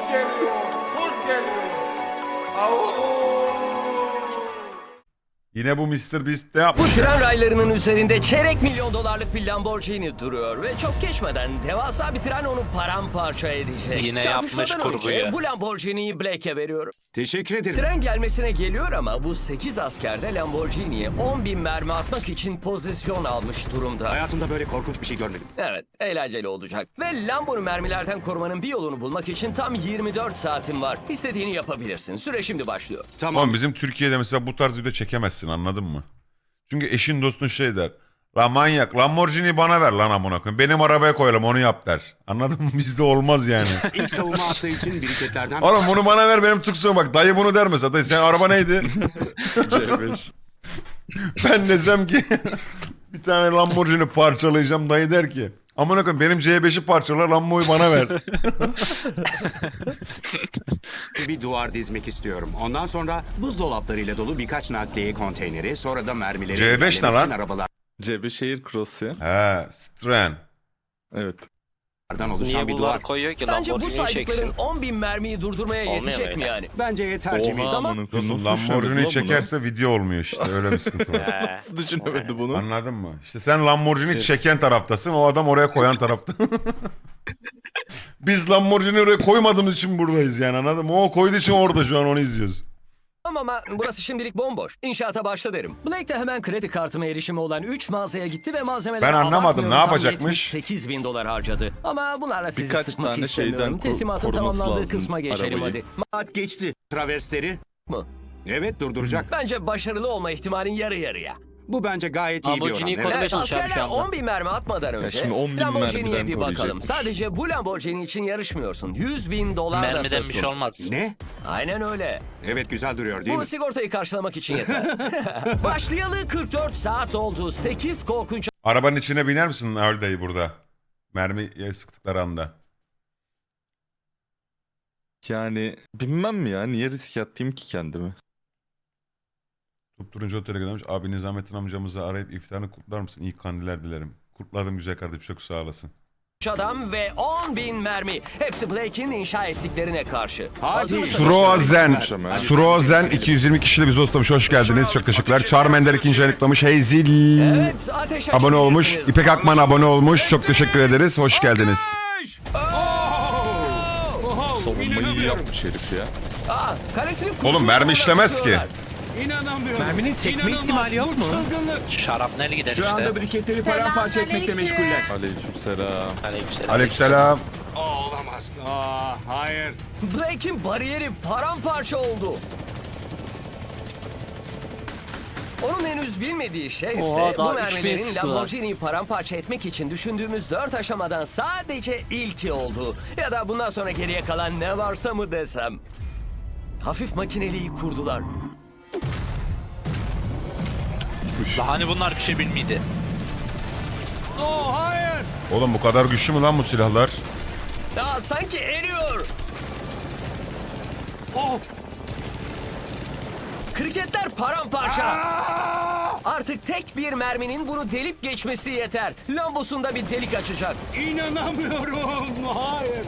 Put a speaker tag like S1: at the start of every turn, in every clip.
S1: geliyor. Kuz geliyor. Au.
S2: Yine bu Mr. Beast ne
S3: Bu
S2: yapmış?
S3: tren raylarının üzerinde çeyrek milyon dolarlık bir Lamborghini duruyor ve çok geçmeden devasa bir tren onu paramparça edecek.
S4: Yine
S3: Çarpışmadan
S4: yapmış kurguyu.
S3: önce bu Lamborghini'yi Blake'e veriyorum.
S5: Teşekkür ederim.
S3: Tren gelmesine geliyor ama bu 8 asker de Lamborghini'ye 10.000 mermi atmak için pozisyon almış durumda.
S5: Hayatımda böyle korkunç bir şey görmedim.
S3: Evet, eğlenceli olacak. Ve Lambo'nu mermilerden korumanın bir yolunu bulmak için tam 24 saatin var. İstediğini yapabilirsin. Süre şimdi başlıyor.
S5: Tamam.
S2: Oğlum bizim Türkiye'de mesela bu tarz video çekemezsin, anladın mı? Çünkü eşin dostun şey der. La manyak, Lamborghini bana ver lan amına koyayım. Benim arabaya koyalım, onu yap der. Anladın mı? Bizde olmaz yani.
S5: İlk savunma attığı için biriketlerden...
S2: Oğlum bunu bana ver, benim tuksuğum bak. Dayı bunu der mesela. Dayı, senin araba neydi?
S6: C5.
S2: Ben desem ki bir tane Lamborghini parçalayacağım. Dayı der ki amına koyayım benim C5'i parçala, Lambo'yu bana ver.
S5: Bir duvar dizmek istiyorum. Ondan sonra buzdolaplarıyla dolu birkaç nakliye konteyneri, sonra da mermileri...
S2: C5 ne
S5: engellemek
S2: lan?
S5: için arabalardan
S6: C5 şehir cross ya.
S2: He, Stren.
S6: Evet.
S5: oluşan
S4: Niye
S5: bir
S4: bunlar
S5: duvar.
S4: koyuyor ki
S3: Sence bu
S4: Lamborghini
S3: saydıkların
S4: çeksin?
S3: 10.000 mermiyi durdurmaya
S4: Olmuyor
S3: yetecek mi
S4: öyle.
S3: yani?
S5: Bence yeter Jimmy.
S6: Oha
S3: Tamam.
S6: amına koyayım,
S2: Dostum
S6: nasıl düşünemedi
S2: Lamborghini
S6: lan bunu?
S2: çekerse video olmuyor işte, öyle bir sıkıntı var.
S4: He.
S6: Nasıl düşünemedi bunu?
S2: Anladın mı? İşte sen Lamborghini
S6: Siz-
S2: çeken taraftasın, o adam oraya koyan tarafta. Biz Lamborghini oraya koymadığımız için buradayız yani, anladın mı? O koyduğu için orada şu an onu izliyoruz.
S3: Ama burası şimdilik bomboş. İnşaata başla derim. Blake de hemen kredi kartıma erişimi olan 3 mağazaya gitti ve malzemeleri
S2: Ben anlamadım,
S3: abartmıyorum,
S2: ne
S3: tam
S2: yapacakmış?
S3: 78.000 dolar harcadı. Ama bunlarla sizi
S6: Birkaç
S3: sıkmak
S6: tane
S3: istemiyorum.
S6: şeyden
S3: Teslimatın
S6: koruması
S3: tamamlandığı
S6: lazım
S3: kısma geçelim
S6: arabayı.
S3: hadi.
S5: Saat geçti. Traversleri...
S3: Mı?
S5: Evet, durduracak.
S3: Bence başarılı olma ihtimalin yarı yarıya.
S5: Bu bence gayet iyi bir oran.
S4: Lamborghini'yi
S5: Evet.
S4: korumaya
S3: Evet,
S4: çalışıyorum şu
S3: askerler
S4: anda.
S3: 10.000 mermi atmadan önce
S6: şimdi 10.000
S3: Lamborghini'ye
S6: mermiden
S3: bir bakalım.
S6: koruyacakmış.
S3: Sadece bu Lamborghini için yarışmıyorsun. 100.000 dolar da
S4: Mermiden
S3: söz
S4: bir şey
S3: konusu.
S4: olmaz.
S5: Ne?
S3: Aynen öyle.
S5: Evet, güzel duruyor değil
S3: Bu
S5: mi?
S3: sigortayı karşılamak için yeter. Başlayalı 44 saat oldu. 8 korkunç
S2: Arabanın içine biner misin Öldayı burada? Mermiye sıktıkları anda.
S6: Yani bilmem mi ya, niye risk attım ki kendimi?
S2: Tutturuncu otele göndermiş. Abi Nizamettin amcamızı arayıp iftarını kutlar mısın? İyi kandiller dilerim. Kutladım güzel kardeşim, çok sağ olasın.
S3: adam ve 10.000 mermi. Hepsi Blake'in inşa ettiklerine karşı.
S5: Hadi.
S3: Hazır mısınız?
S2: Srozen.
S6: Hadi.
S2: Srozen 220 kişili bizi hostlamış. Hoş geldiniz. Çok teşekkürler. Charmander ikinci ayıklamış. Heyzil
S3: Evet, ateş
S2: abone olmuş.
S3: açabilirsiniz.
S2: İpek Akman abone olmuş. Çok teşekkür ederiz. Hoş geldiniz.
S6: Savunmayı iyi yapmış herif ya.
S3: Kalesini
S2: Oğlum mermi işlemez ki.
S5: İnanamıyorum.
S7: Merminin sekme ihtimali yok mu?
S4: Şarapnel gider
S5: Şu
S4: işte.
S5: anda briketleri paramparça etmekle meşguller.
S6: Aleykümselam.
S4: Aleykümselam.
S2: Aleykümselam.
S5: Olamaz. Hayır.
S3: Blake'in bariyeri paramparça oldu. Onun henüz bilmediği şey ise
S7: Oha,
S3: bu
S7: daha 3000
S3: mermilerin
S7: sıktılar.
S3: Lamborghini'yi paramparça etmek için düşündüğümüz 4 aşamadan sadece ilki oldu. Ya da bundan sonra geriye kalan ne varsa mı desem. Hafif makineliği kurdular.
S4: Daha hani bunlar bir şey bilmiydi.
S5: Hayır.
S2: Oğlum bu kadar güçlü mü lan bu silahlar?
S3: Ya sanki eriyor. Kriketler paramparça. Artık tek bir merminin bunu delip geçmesi yeter. Lambosunda bir delik açacak.
S5: İnanamıyorum. Hayır.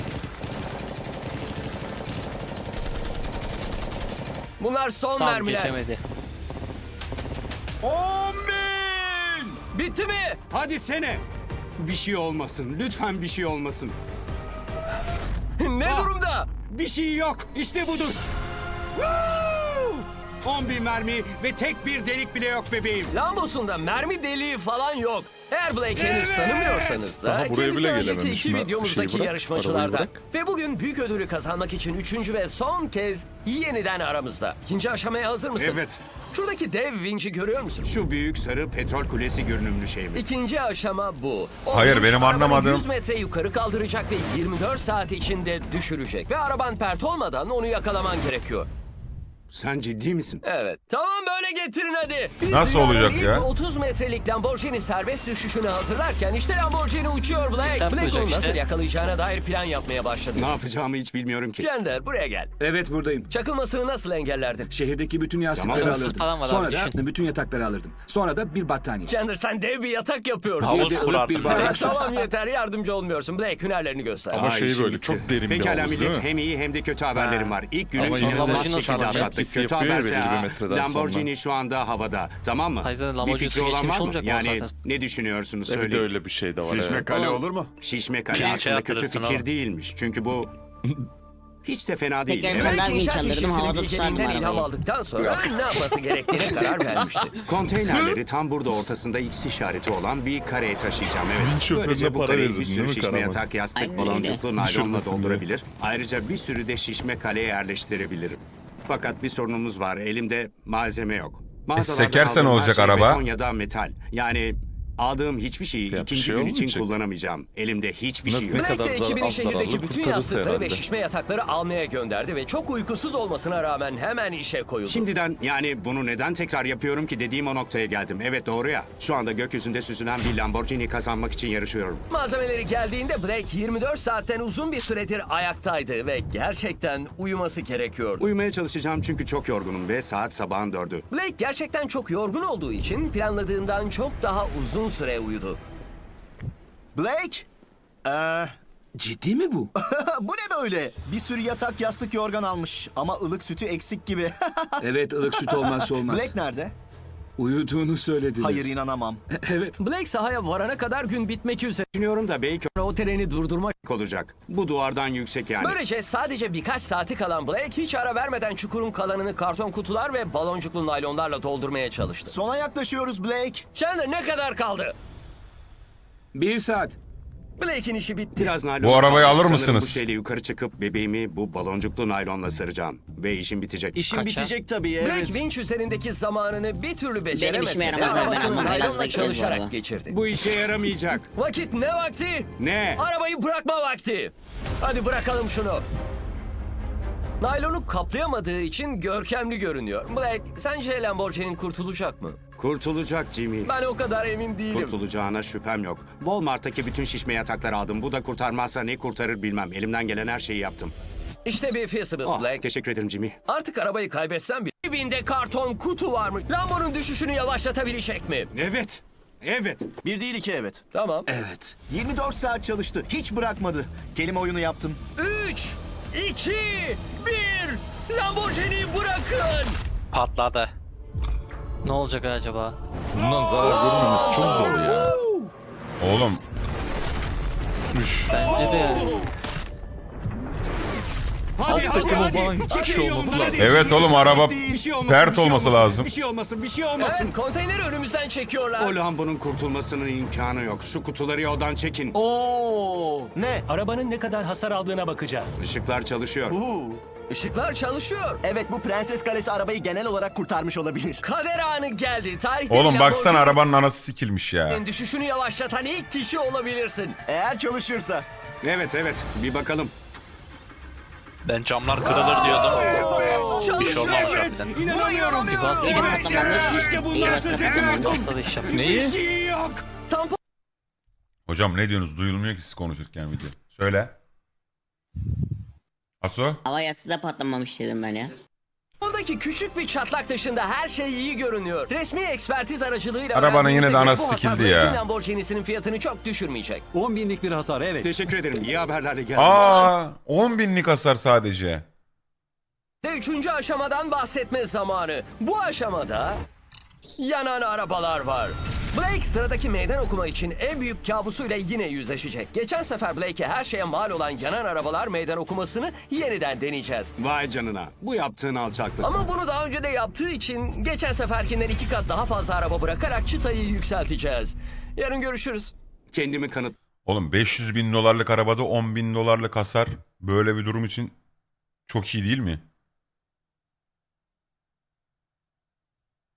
S3: Bunlar son
S7: Tam
S3: mermiler.
S7: geçemedi.
S5: 10.000.
S3: Bitti mi?
S5: Hadi sene. Bir şey olmasın. Lütfen bir şey olmasın.
S3: Ne durumda?
S5: Bir şey yok. İşte budur. Woo! 10.000 mermi ve tek bir delik bile yok bebeğim.
S3: Lambosunda mermi deliği falan yok. Eğer Blake'i henüz
S5: Evet.
S3: tanımıyorsanız da
S6: Daha buraya
S3: kendisi
S6: bile
S3: önceki
S6: gelememiş.
S3: iki
S6: Ben-
S3: videomuzdaki
S6: şeyi bırak,
S3: yarışmacılardan.
S6: arabayı bırak.
S3: Ve bugün büyük ödülü kazanmak için 3. ve son kez yeniden aramızda. İkinci aşamaya hazır mısın?
S5: Evet.
S3: Şuradaki dev vinci görüyor musun?
S5: Şu büyük sarı petrol kulesi görünümlü şey mi?
S3: İkinci aşama bu. O
S2: Hayır,
S3: vinç
S2: benim
S3: arabanı
S2: anlamadığım-
S3: 100 metre yukarı kaldıracak ve 24 saat içinde düşürecek. Ve araban pert olmadan onu yakalaman gerekiyor.
S5: Sen ciddi misin?
S3: Evet. Tamam böyle getirin hadi. Biz
S2: Nasıl
S3: dünyanın
S2: olacak
S3: ilk
S2: ya?
S3: 30 metrelik Lamborghini serbest düşüşünü hazırlarken işte Lamborghini uçuyor Blake.
S8: Sistem
S3: Blake
S8: kuracak
S3: onu nasıl
S8: işte.
S3: yakalayacağına dair plan yapmaya başladı.
S5: Ne yapacağımı hiç bilmiyorum ki.
S3: Cender buraya gel.
S5: Evet buradayım.
S3: Çakılmasını nasıl engellerdin?
S5: Şehirdeki bütün yastıkları
S3: Tamam.
S5: alırdım.
S8: Falan var
S5: Sonra
S8: abi,
S5: da
S8: düşün.
S5: bütün yatakları alırdım. Sonra da bir battaniye.
S3: Cender sen dev bir yatak yapıyorsun.
S4: Havuz
S5: Şehirde ılık
S4: kurardın.
S5: bir bardak.
S3: Tamam yeter yardımcı olmuyorsun. Blake hünerlerini göster.
S6: Ama şey
S5: işim
S6: böyle
S5: bitti.
S6: çok derin bir
S5: Pekala
S6: havuz,
S5: millet,
S6: değil mi?
S5: hem iyi hem de kötü haberlerim var. İlk günü
S6: Ama yine de
S5: inanılmaz
S8: Lamborghini
S5: şekilde
S8: nasıl
S5: atlattık.
S6: etkisi
S5: Kötü
S6: yapıyor ya
S5: haberse
S6: belli bir metreden
S5: Lamborghini şu anda havada. Tamam mı?
S8: Hayır, zaten
S5: Bir
S8: Lamborghini
S5: fikri olan
S8: geçmiş
S5: var mı?
S8: olacak mı
S5: Yani
S8: zaten?
S5: ne düşünüyorsunuz
S6: Bir de
S5: söyleyin.
S6: öyle bir şey de var.
S1: Şişme
S6: evet.
S1: kale olur mu?
S5: Şişme kale
S4: Bir şey
S5: aslında kötü
S4: yaptırırsın
S5: fikir
S4: oğlum.
S5: değilmiş. Çünkü bu hiç de fena değil.
S9: Peki,
S5: Evet.
S9: ben
S3: Blake inşaat
S9: vinç alırdım,
S3: işçisinin
S9: havada
S3: bilgeliğinden
S9: tutardım
S3: ilham
S9: arabayı.
S3: aldıktan sonra ne yapması gerektiğine karar vermişti.
S5: Konteynerleri tam burada ortasında X işareti olan bir kareye taşıyacağım. Evet.
S6: Vinç şoförüne
S5: Böylece bu
S6: para
S5: kareyi
S6: verirdin
S5: bir
S6: değil
S5: sürü
S6: mi
S5: şişme
S6: Karaman?
S5: yatak, yastık,
S9: Aynen
S5: baloncuklu
S6: öyle.
S5: naylonla
S6: Düşürmesin diye.
S5: doldurabilir. Ayrıca bir sürü de şişme kaleye yerleştirebilirim. Fakat bir sorunumuz var. Elimde malzeme yok. Mağazalardan
S2: sekersen
S5: aldığım her
S2: olacak
S5: şey
S2: araba.
S5: beton ya da metal. Yani aldığım hiçbir şeyi
S6: Ya bir
S5: ikinci
S6: şey
S5: gün için
S6: olmayacak.
S5: kullanamayacağım. Elimde hiçbir şey
S6: Nasıl
S5: yok.
S6: ne
S3: Blake
S6: kadar
S3: de
S6: zar-
S3: ekibini
S6: az zararlı
S3: şehirdeki bütün
S6: kurtarırsa
S3: yastıkları ve
S6: herhalde.
S3: şişme yatakları almaya gönderdi ve çok uykusuz olmasına rağmen hemen işe koyuldu.
S5: Şimdiden yani bunu neden tekrar yapıyorum ki dediğim o noktaya geldim. Evet doğru ya. Şu anda gökyüzünde süzülen bir Lamborghini kazanmak için yarışıyorum.
S3: Malzemeleri geldiğinde Blake 24 saatten uzun bir süredir ayaktaydı ve gerçekten uyuması gerekiyordu.
S5: Uyumaya çalışacağım çünkü çok yorgunum ve saat sabahın 4'ü.
S3: Blake gerçekten çok yorgun olduğu için planladığından çok daha uzun süre uyudu.
S10: Blake?
S5: Ciddi mi bu?
S10: Bu ne böyle? Bir sürü yatak, yastık, yorgan almış. Ama ılık sütü eksik gibi.
S5: Evet ılık süt olmazsa olmaz.
S10: Blake nerede?
S5: Uyuduğunu söylediler.
S10: Hayır inanamam.
S5: Evet.
S3: Blake sahaya varana kadar gün bitmek üzere.
S5: Düşünüyorum da belki
S3: O treni durdurmak.
S5: olacak. Bu duvardan yüksek yani.
S3: Böylece sadece birkaç saati kalan Blake hiç ara vermeden çukurun kalanını karton kutular ve baloncuklu naylonlarla doldurmaya çalıştı.
S10: Sona yaklaşıyoruz Blake.
S3: Chandler ne kadar kaldı?
S5: 1 saat.
S3: Blake'in işi bitti.
S5: Biraz naylon.
S2: Bu arabayı alır
S5: Sanırım
S2: mısınız?
S5: Bu şeyle yukarı çıkıp bebeğimi bu baloncuklu naylonla saracağım. Ve işim bitecek.
S10: İşin
S8: Kaça?
S10: bitecek tabii
S3: Blake
S10: evet.
S3: vinç üzerindeki zamanını bir türlü beceremese
S9: işime
S3: de
S9: yaramaz, ben
S3: arabasını
S9: anlamam. Biraz
S3: naylonla
S9: da gideriz bu
S3: çalışarak
S9: arada.
S3: geçirdi.
S5: Bu işe yaramayacak.
S3: Vakit ne vakti?
S5: Ne?
S3: Arabayı bırakma vakti. Hadi bırakalım şunu. Naylonu kaplayamadığı için görkemli görünüyor. Black, sence Lamborghini'nin kurtulacak mı?
S5: Kurtulacak Jimmy.
S3: Ben o kadar emin değilim.
S5: Kurtulacağına şüphem yok. Walmart'taki bütün şişme yatakları aldım. Bu da kurtarmazsa ne kurtarır bilmem. Elimden gelen her şeyi yaptım.
S3: İşte bir Feasibles
S5: Ah,
S3: Black.
S5: teşekkür ederim Jimmy.
S3: Artık arabayı kaybetsen bile dibinde karton kutu var mı? Lambo'nun düşüşünü yavaşlatabilecek mi?
S5: Evet. Evet.
S10: Bir değil iki evet.
S3: Tamam.
S5: Evet.
S10: 24 saat çalıştı. Hiç bırakmadı. Kelime oyunu yaptım.
S3: 3, 2, 1. Lamborghini'yi bırakın.
S4: Patladı.
S8: Ne olacak acaba?
S6: Bundan zarar görmemesi çok zor ya.
S2: Oğlum
S8: Bence de yani.
S5: Hadi
S6: Alt takımı falan hiçbir şey olması lazım.
S2: evet oğlum araba
S5: Bir şey olmasın,
S2: pert
S5: bir şey
S2: olması
S5: olmasın,
S2: lazım.
S5: Bir şey olmasın, bir şey olmasın.
S3: Evet, konteyneri önümüzden çekiyorlar.
S5: O Lambo'nun kurtulmasının imkanı yok. Şu kutuları yoldan çekin.
S3: Oo!
S10: Ne?
S11: Arabanın ne kadar hasar aldığına bakacağız.
S5: Işıklar çalışıyor.
S3: Işıklar çalışıyor.
S10: Evet bu Prenses Kalesi arabayı genel olarak kurtarmış olabilir.
S3: Kader anı geldi. Tarihte
S2: Oğlum baksana arabanın anası sikilmiş ya.
S3: düşüşünü yavaşlatan ilk kişi olabilirsin.
S10: Eğer çalışırsa.
S5: Evet evet bir bakalım.
S4: Ben camlar kırılır diyordum. Bir şey olmamış
S3: Evet.
S4: harbiden.
S5: İnanamıyorum.
S8: Bir bastı.
S9: İyi patlamanmış.
S5: İşte
S9: İyi
S5: bundan söz ediyordum.
S8: Olsa da iş yap.
S5: Bir
S6: Neyi?
S5: şey yok.
S3: Tampon
S2: Hocam ne diyorsunuz? Duyulmuyor ki siz konuşurken video. Söyle. Aso?
S9: Hava yastığı da patlamamış dedim ben ya.
S3: Oradaki küçük bir çatlak dışında her şey iyi görünüyor. Resmi ekspertiz aracılığıyla
S2: Arabanın
S3: öğrendiğimize
S2: yine de
S3: göre
S2: anası
S3: bu hasar
S2: sikildi
S3: Blake'in
S2: ya.
S3: Lamborghini'sinin fiyatını çok düşürmeyecek.
S11: 10 binlik bir hasar evet.
S5: Teşekkür ederim. İyi haberlerle geldiniz.
S2: Aa, 10 binlik hasar sadece.
S3: Ve üçüncü aşamadan bahsetme zamanı. Bu aşamada yanan arabalar var. Blake sıradaki meydan okuma için en büyük kabusuyla yine yüzleşecek. Geçen sefer Blake'e her şeye mal olan yanan arabalar meydan okumasını yeniden deneyeceğiz.
S5: Vay canına. Bu yaptığın alçaklık.
S3: Ama bunu daha önce de yaptığı için geçen seferkinden 2 kat daha fazla araba bırakarak çıtayı yükselteceğiz. Yarın görüşürüz.
S5: Kendimi kanıt.
S2: Oğlum 500 bin dolarlık arabada 10 bin dolarlık hasar böyle bir durum için çok iyi değil mi?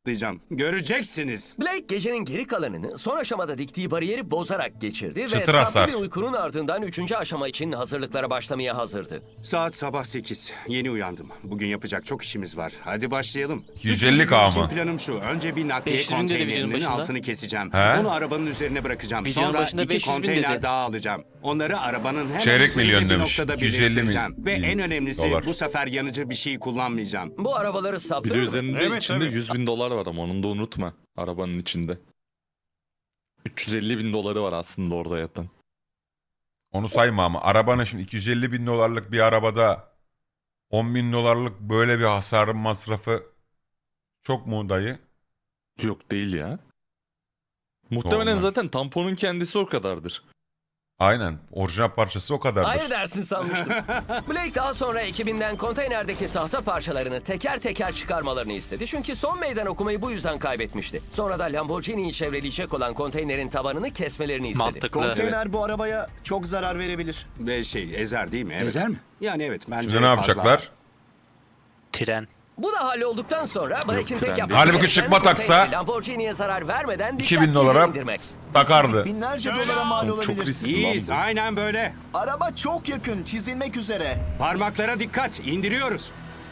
S5: Göreceksiniz.
S3: Blake gecenin geri kalanını son aşamada diktiği bariyeri bozarak geçirdi ve
S2: Çıtır
S3: tatlı
S2: hasar.
S3: bir uykunun ardından 3. aşama için hazırlıklara başlamaya hazırdı.
S5: Saat sabah 8. Yeni uyandım. Bugün yapacak çok işimiz var. Hadi başlayalım.
S2: 250
S5: Üçüncü gün
S2: K
S5: için
S2: mı?
S5: Planım şu. Önce bir nakliye
S8: 500 bin dedi videonun
S5: konteynerinin
S8: başında.
S5: altını keseceğim.
S2: He?
S5: Onu arabanın üzerine bırakacağım.
S8: Videonun
S5: Sonra
S8: başında
S5: 2
S8: 500 bin
S5: konteyner
S8: dedi.
S5: daha alacağım. Onları arabanın hemen
S2: Çeyrek
S5: üzerinde
S2: milyon
S5: bir
S2: demiş.
S5: noktada
S2: 250
S5: birleştireceğim. Ve en
S2: milyon
S5: önemlisi
S2: dolar.
S5: bu sefer yanıcı bir şey kullanmayacağım.
S3: Bu arabaları
S6: Bir de
S3: saptırır mı?
S6: üzerinde içinde 100 bin dolar var ama onu da unutma. Arabanın içinde. 350 bin doları var aslında orada yatan.
S2: Onu sayma ama arabanın şimdi 250 bin dolarlık bir arabada 10 bin dolarlık böyle bir hasarın masrafı çok mu dayı?
S6: Yok değil ya. Muhtemelen
S2: Normal.
S6: zaten tamponun kendisi o kadardır.
S2: Aynen. Orijinal parçası o kadardır.
S3: Hayır dersin sanmıştım. Blake daha sonra ekibinden konteynerdeki tahta parçalarını teker teker çıkarmalarını istedi. Çünkü son meydan okumayı bu yüzden kaybetmişti. Sonra da Lamborghini'yi çevreleyecek olan konteynerin tabanını kesmelerini istedi.
S4: Mantıklı.
S10: Konteyner bu arabaya çok zarar verebilir.
S5: Ve ezer değil mi? Evet.
S10: Ezer mi?
S5: Yani evet bence
S2: Şimdi ne
S5: fazla.
S2: yapacaklar?
S4: Tren.
S3: Bu da hallolduktan sonra Blake'in tek
S6: tren
S3: yapması
S6: değil.
S2: Halbuki
S3: gereken
S2: çıkma taksa
S3: konteyneri Lamborghini'ye zarar vermeden
S2: 2000
S3: dikkatlice
S2: dolara
S3: indirmek.
S2: takardı.
S10: Binlerce dolara mal
S6: Oğlum çok
S10: olabilir.
S6: riskli lan
S5: İyiyiz.
S6: bu.
S5: Aynen böyle.
S10: Araba çok yakın, çizilmek üzere.
S5: Parmaklara dikkat. İndiriyoruz.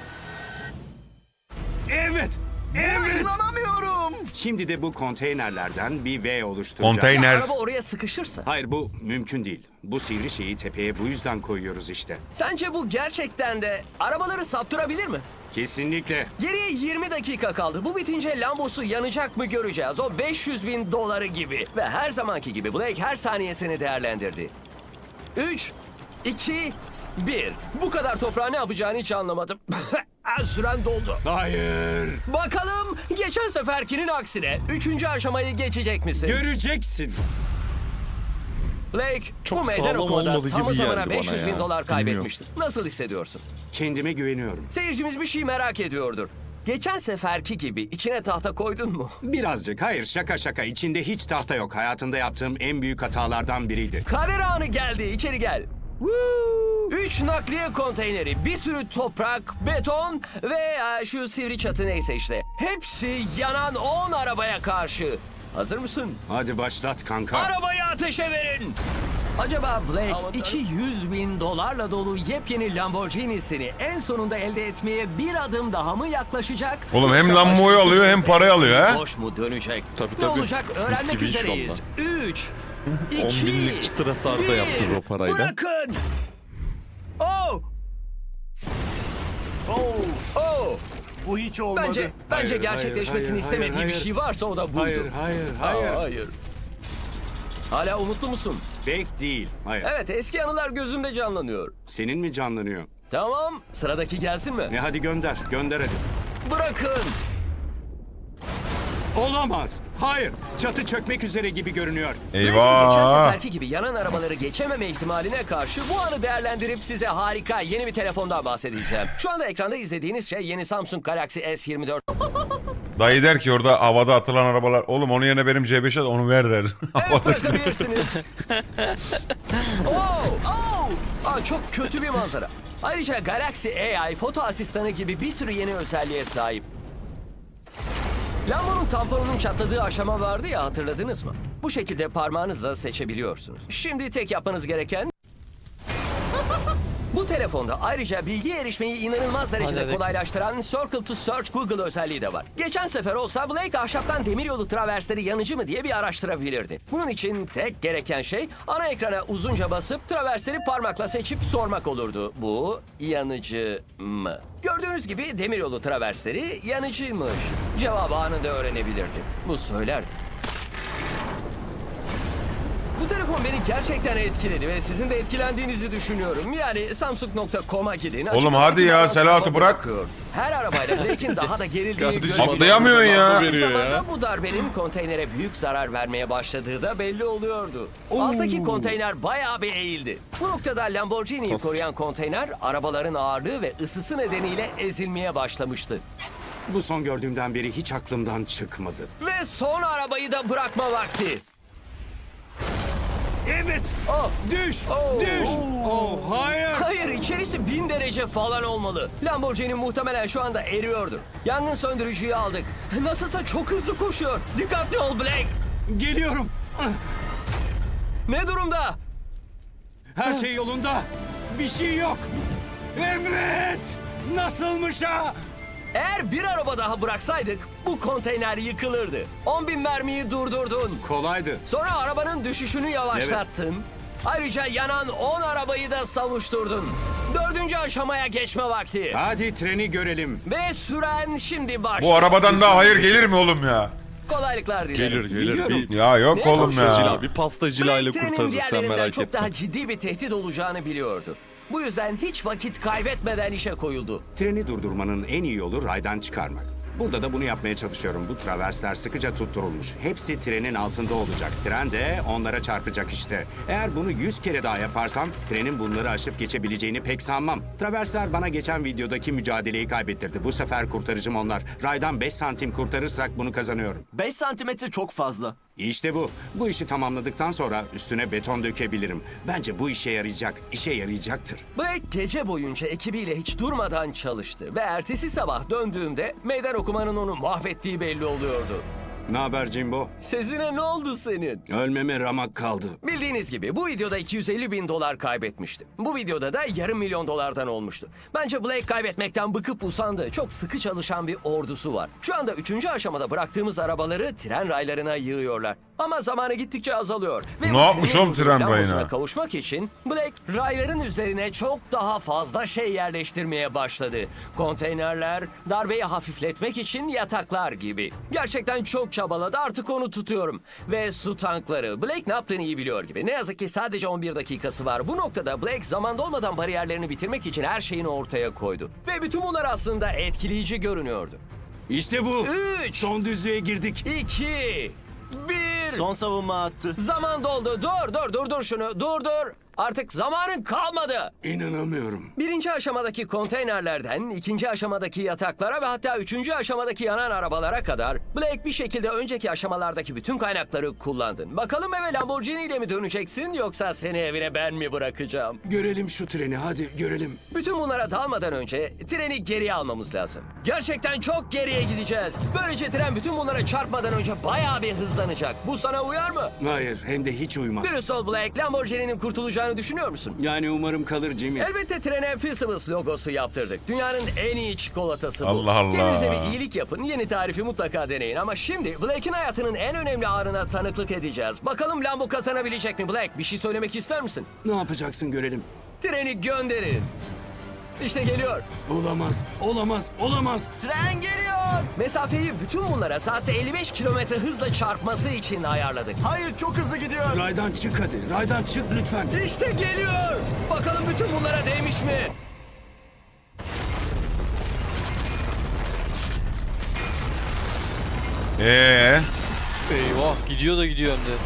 S5: Evet. Evet.
S10: İnanamıyorum.
S5: Şimdi de bu konteynerlerden bir V oluşturacağız.
S3: Ya
S2: Konteyner.
S3: araba oraya sıkışırsa.
S5: Hayır bu mümkün değil. Bu sivri şeyi tepeye bu yüzden koyuyoruz işte.
S3: Sence bu gerçekten de arabaları saptırabilir mi?
S5: Kesinlikle.
S3: Geriye 20 dakika kaldı. Bu bitince Lambosu yanacak mı göreceğiz. O 500 bin doları gibi. Ve her zamanki gibi Blake her saniyesini değerlendirdi. 3, 2, 1. Bu kadar toprağı ne yapacağını hiç anlamadım. Süren doldu.
S5: Hayır.
S3: Bakalım geçen seferkinin aksine 3. aşamayı geçecek misin?
S5: Göreceksin.
S3: Blake
S6: Çok
S3: bu meydan
S6: sağlam
S3: okumada
S6: olmadı
S3: tamı
S6: gibi
S3: tamına
S6: geldi bana
S3: 500 bin
S6: ya.
S3: dolar
S6: Bilmiyorum.
S3: kaybetmiştin. Nasıl hissediyorsun?
S5: Kendime güveniyorum.
S3: Seyircimiz bir şey merak ediyordur. Geçen seferki gibi içine tahta koydun mu?
S5: Birazcık. Hayır şaka şaka. İçinde hiç tahta yok. Hayatımda yaptığım en büyük hatalardan biriydi.
S3: Kader anı geldi. İçeri gel. 3 nakliye konteyneri, bir sürü toprak, beton ve şu sivri çatı neyse işte. Hepsi yanan 10 arabaya karşı. Hazır mısın?
S5: Hadi başlat kanka.
S3: Arabayı ateşe verin. Acaba Blake 200 bin dolarla dolu yepyeni Lamborghini'sini en sonunda elde etmeye bir adım daha mı yaklaşacak?
S2: Oğlum hem
S3: Yoksa
S2: Lambo'yu
S3: başka
S2: alıyor hem
S3: bir
S2: parayı alıyor ha.
S3: Boş mu dönecek?
S6: Tabii,
S3: Ne
S6: tabii.
S3: olacak öğrenmek
S6: Mis gibi iş
S3: üzereyiz. 3, 2,
S6: 10 binlik çıtır hasar da yaptırır o parayla.
S3: Bırakın. Oh! Oh!
S1: Bu hiç olmadı.
S3: Bence
S5: Hayır,
S3: gerçekleşmesini
S5: hayır,
S3: istemediği
S5: hayır,
S3: bir şey varsa o da buydu.
S5: Hayır.
S3: Hayır. Hala umutlu musun?
S5: Bek değil. Hayır.
S3: Evet, eski anılar gözümde canlanıyor.
S5: Senin mi canlanıyor?
S3: Tamam, sıradaki gelsin mi?
S5: Hadi gönder. Gönder hadi.
S3: Bırakın.
S5: Olamaz. Hayır. Çatı çökmek üzere gibi görünüyor.
S3: Geçen
S2: Eyvah.
S3: seferki gibi yanan arabaları geçememe ihtimaline karşı bu anı değerlendirip size harika yeni bir telefondan bahsedeceğim. Şu anda ekranda izlediğiniz şey yeni Samsung Galaxy S24.
S2: Dayı der ki orada havada atılan arabalar. Oğlum onun yerine benim C5'e de onu ver der.
S3: Evet, bırakabilirsiniz. Çok kötü bir manzara. Ayrıca Galaxy AI foto asistanı gibi bir sürü yeni özelliğe sahip. Lambo'nun tamponunun çatladığı aşama vardı ya, hatırladınız mı? Bu şekilde parmağınızla seçebiliyorsunuz. Şimdi tek yapmanız gereken... Bu telefonda ayrıca bilgiye erişmeyi inanılmaz derecede
S8: Halledik.
S3: kolaylaştıran Circle to Search Google özelliği de var. Geçen sefer olsa Blake ahşaptan demiryolu traversleri yanıcı mı diye bir araştırabilirdi. Bunun için tek gereken şey ana ekrana uzunca basıp traversleri parmakla seçip sormak olurdu. Bu yanıcı mı? Gördüğünüz gibi demiryolu traversleri yanıcıymış. Cevabı anında öğrenebilirdi. Bu söylerdi. Bu telefon beni gerçekten etkiledi ve sizin de etkilendiğinizi düşünüyorum. Yani Samsung.com'a gidin.
S2: Oğlum hadi ya,
S3: Açık
S2: Selahat'ı
S3: araba
S2: bırak.
S3: bakıyor. Her arabayla Blake'in daha da gerildiğini
S6: Kardeşim,
S3: görüyoruz.
S2: Atlayamıyorsun ya.
S3: Aynı
S6: veriyor ya.
S3: zamanda bu darbenin konteynere büyük zarar vermeye başladığı da belli oluyordu. Alttaki konteyner bayağı bir eğildi. Bu noktada Lamborghini'yi koruyan konteyner arabaların ağırlığı ve ısısı nedeniyle ezilmeye başlamıştı.
S5: Bu son gördüğümden beri hiç aklımdan çıkmadı.
S3: Ve son arabayı da bırakma vakti.
S5: Evet.
S3: Oh,
S5: Düş.
S3: Oh.
S5: Düş. Oh hayır.
S3: hayır, içerisi Eksi 1000 derece falan olmalı. Lamborghini muhtemelen şu anda eriyordur. Yangın söndürücüyü aldık. Nasılsa çok hızlı koşuyor. Dikkatli ol Blake.
S5: Geliyorum.
S3: Ne durumda?
S5: Her şey yolunda. Bir şey yok. Evet. Nasılmış ha?
S3: Eğer bir araba daha bıraksaydık bu konteyner yıkılırdı. 10.000 mermiyi durdurdun.
S5: Kolaydı.
S3: Sonra arabanın düşüşünü yavaşlattın. Ayrıca yanan 10 arabayı da savuşturdun. 4. aşamaya geçme vakti.
S5: Hadi treni görelim.
S3: Ve süren şimdi başlıyor.
S2: Bu arabadan daha hayır gelir mi oğlum ya?
S3: Kolaylıklar dilerim.
S6: Gelir. Bir
S2: Ya yok
S3: Ne
S2: oğlum ya.
S6: pastacıyla, bir pastacıyla
S3: Blake trenin
S6: kurtarırız sen
S3: diğerlerinden
S6: merak
S3: çok
S6: etme.
S3: daha ciddi bir tehdit olacağını biliyordu. Bu yüzden hiç vakit kaybetmeden işe koyuldu.
S5: Treni durdurmanın en iyi yolu raydan çıkarmak. Burada da bunu yapmaya çalışıyorum. Bu traversler sıkıca tutturulmuş. Hepsi trenin altında olacak. Tren de onlara çarpacak işte. Eğer bunu 100 kere daha yaparsam trenin bunları aşıp geçebileceğini pek sanmam. Traversler bana geçen videodaki mücadeleyi kaybettirdi. Bu sefer kurtarıcım onlar. Raydan 5 santim kurtarırsak bunu kazanıyorum.
S10: 5 santimetre çok fazla.
S5: İşte bu. Bu işi tamamladıktan sonra üstüne beton dökebilirim. Bence bu işe yarayacak. İşe yarayacaktır.
S3: Blake gece boyunca ekibiyle hiç durmadan çalıştı ve ertesi sabah döndüğümde meydan okumanın onu mahvettiği belli oluyordu.
S5: Ne haber Jimbo?
S3: Sezine ne oldu senin?
S5: Ölmeme ramak kaldı.
S3: Bildiğiniz gibi bu videoda 250.000 dolar kaybetmişti. Bu videoda da yarım milyon dolardan olmuştu. Bence Blake kaybetmekten bıkıp usandı. Çok sıkı çalışan bir ordusu var. Şu anda 3. aşamada bıraktığımız arabaları tren raylarına yığıyorlar. Ama zamanı gittikçe azalıyor. Ve
S2: Ne
S3: bu
S2: yapmış
S3: trenin
S2: oğlum tren
S3: lambosuna
S2: rayına?
S3: kavuşmak için Blake rayların üzerine çok daha fazla şey yerleştirmeye başladı. Konteynerler, darbeyi hafifletmek için yataklar gibi. Gerçekten çok çabaladı, artık onu tutuyorum. Ve su tankları. Blake ne yaptığını iyi biliyor gibi. Ne yazık ki sadece 11 dakikası var. Bu noktada Blake zaman dolmadan bariyerlerini bitirmek için her şeyini ortaya koydu. Ve bütün bunlar aslında etkileyici görünüyordu.
S5: İşte bu.
S3: 3,
S5: Son düzlüğe girdik.
S3: 2, 1...
S10: Son savunma attı.
S3: Zaman doldu. Dur şunu. Dur. Artık zamanın kalmadı.
S5: İnanamıyorum.
S3: 1. aşamadaki konteynerlerden 2. aşamadaki yataklara ve hatta 3. aşamadaki yanan arabalara kadar Blake bir şekilde önceki aşamalardaki bütün kaynakları kullandın. Bakalım eve Lamborghini ile mi döneceksin yoksa seni evine ben mi bırakacağım?
S5: Görelim şu treni, hadi görelim.
S3: Bütün bunlara dalmadan önce treni geriye almamız lazım. Gerçekten çok geriye gideceğiz. Böylece tren bütün bunlara çarpmadan önce bayağı bir hızlanacak. Bu sana uyar mı?
S5: Hayır, hem de hiç uymaz.
S3: Dürüst ol Blake, Lamborghini'nin kurtulacağını düşünüyor musun?
S5: Yani umarım kalır Jimmy.
S3: Elbette trene Fistables logosu yaptırdık. Dünyanın en iyi çikolatası bu.
S2: Allah Allah.
S3: Kendinize bir iyilik yapın. Yeni tarifi mutlaka deneyin. Ama şimdi Blake'in hayatının en önemli anına tanıklık edeceğiz. Bakalım Lambo kazanabilecek mi Blake? Bir şey söylemek ister misin?
S5: Ne yapacaksın görelim.
S3: Treni gönderin. İşte geliyor.
S5: Olamaz.
S10: Tren geliyor.
S3: Mesafeyi bütün bunlara saatte 55 kilometre hızla çarpması için ayarladık.
S10: Hayır, çok hızlı gidiyor.
S5: Raydan çık hadi, raydan çık lütfen.
S3: İşte geliyor. Bakalım bütün bunlara değmiş mi?
S8: Eyvah gidiyor da gidiyor hem de.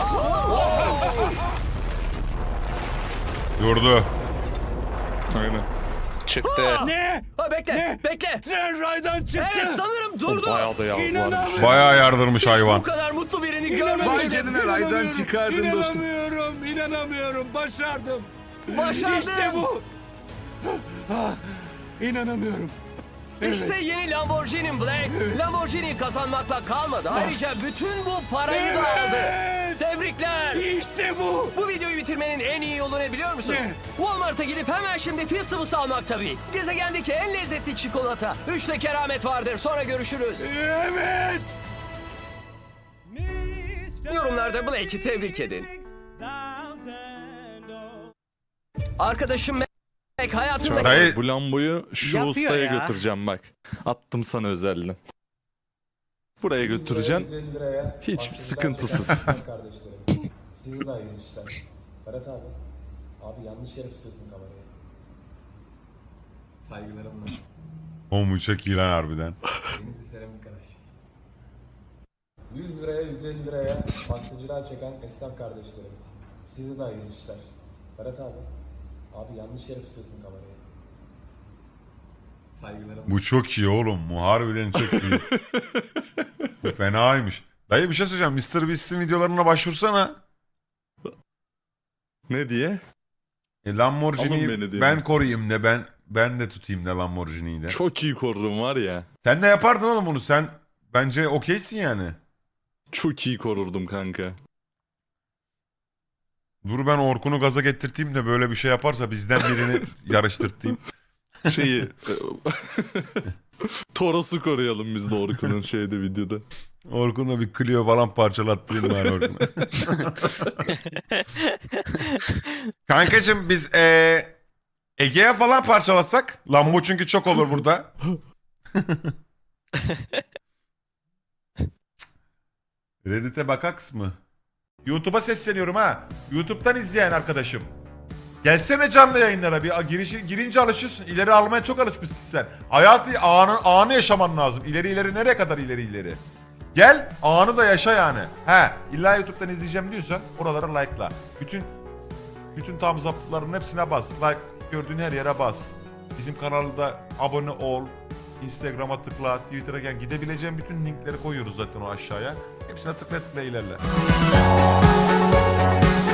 S2: Durdu.
S6: Aynen.
S4: Çıktı.
S5: Ne?
S3: Ha, bekle.
S5: Tren raydan çıktı.
S3: Evet sanırım durdu.
S6: Bayağı da yavrularmış.
S5: İnanamıyorum.
S2: Bayağı yardırmış
S3: Bu
S2: hayvan.
S3: kadar mutlu birini
S5: İnanamıyorum.
S3: görmemiştim.
S5: Raydan çıkardın dostum. İnanamıyorum. Başardım.
S3: Başardın.
S5: İşte bu. İnanamıyorum.
S3: İşte yeni Lamborghini Blake. Lamborghini kazanmakla kalmadı. Ayrıca bütün bu parayı da aldı.
S5: Evet.
S3: Tebrikler.
S5: İşte bu.
S3: Bu videoyu bitirmenin en iyi yolu ne biliyor musun?
S5: Ne?
S3: Walmart'a gidip hemen şimdi Fistables almak tabii. Gezegendeki en lezzetli çikolata. 3'te keramet vardır. Sonra görüşürüz.
S5: Evet.
S3: Yorumlarda Blake'i tebrik edin. Arkadaşım Mac hayatında...
S2: Dayı-
S6: Bu Lambo'yu şu
S7: Yapıyor
S6: ustaya
S7: ya.
S6: götüreceğim bak. Attım sana özelden. Buraya götüreceksin. Hiç sıkıntısız.
S11: Kardeşlerim. Sizin de hayırlı işler. Ferhat abi. Abi yanlış yere tutuyorsun kamerayı. Saygılarımla.
S2: Oğlum çok iyi lan harbiden.
S11: Denizli Seramik Araç. 100 liraya 150 liraya pastacılığa çeken esnaf kardeşlerim. Size de hayırlı işler. Ferhat abi. Abi yanlış yere tutuyorsun kamerayı. Saygılarımla.
S2: Bu çok iyi oğlum. Bu harbiden çok iyi. Bu fenaymış. Dayı bir şey söyleyeceğim. Mr. Beast'in videolarına başvursana.
S6: Ne diye? Alın
S2: Lamborghini'yi
S6: beni diyor.
S2: ben koruyayım de ben de tutayım da Lamborghini'yi de.
S6: Çok iyi korurum var ya.
S2: Sen de yapardın oğlum bunu. Sen bence okeysin yani.
S6: Çok iyi korurdum kanka.
S2: Dur ben Orkun'u gaza getirteyim de böyle bir şey yaparsa bizden birini yarıştırtayım.
S6: Şeyi... Toros'u koruyalım biz de Orkun'un şeyde videoda.
S2: Orkun'la bir Clio falan parçalattırayım ben Orkun'a. Kankacığım biz Ege'ye falan parçalasak. Lambo çünkü çok olur burada. Reddit'e bakaks mı? YouTube'a sesleniyorum ha. YouTube'dan izleyen arkadaşım. Gelsene canlı yayınlara bir girince alışıyorsun. İleri almaya çok alışmışsın sen. Hayatı anı yaşaman lazım. İleri nereye kadar ileri. Gel anı da yaşa yani. He illa YouTube'dan izleyeceğim diyorsan oralara like'la. Bütün thumbs up'ların hepsine bas. Like gördüğün her yere bas. Bizim kanalda abone ol. Instagram'a tıkla, Twitter'a gel. Gidebileceğin bütün linkleri koyuyoruz zaten o aşağıya. Hepsine tıkla ilerle.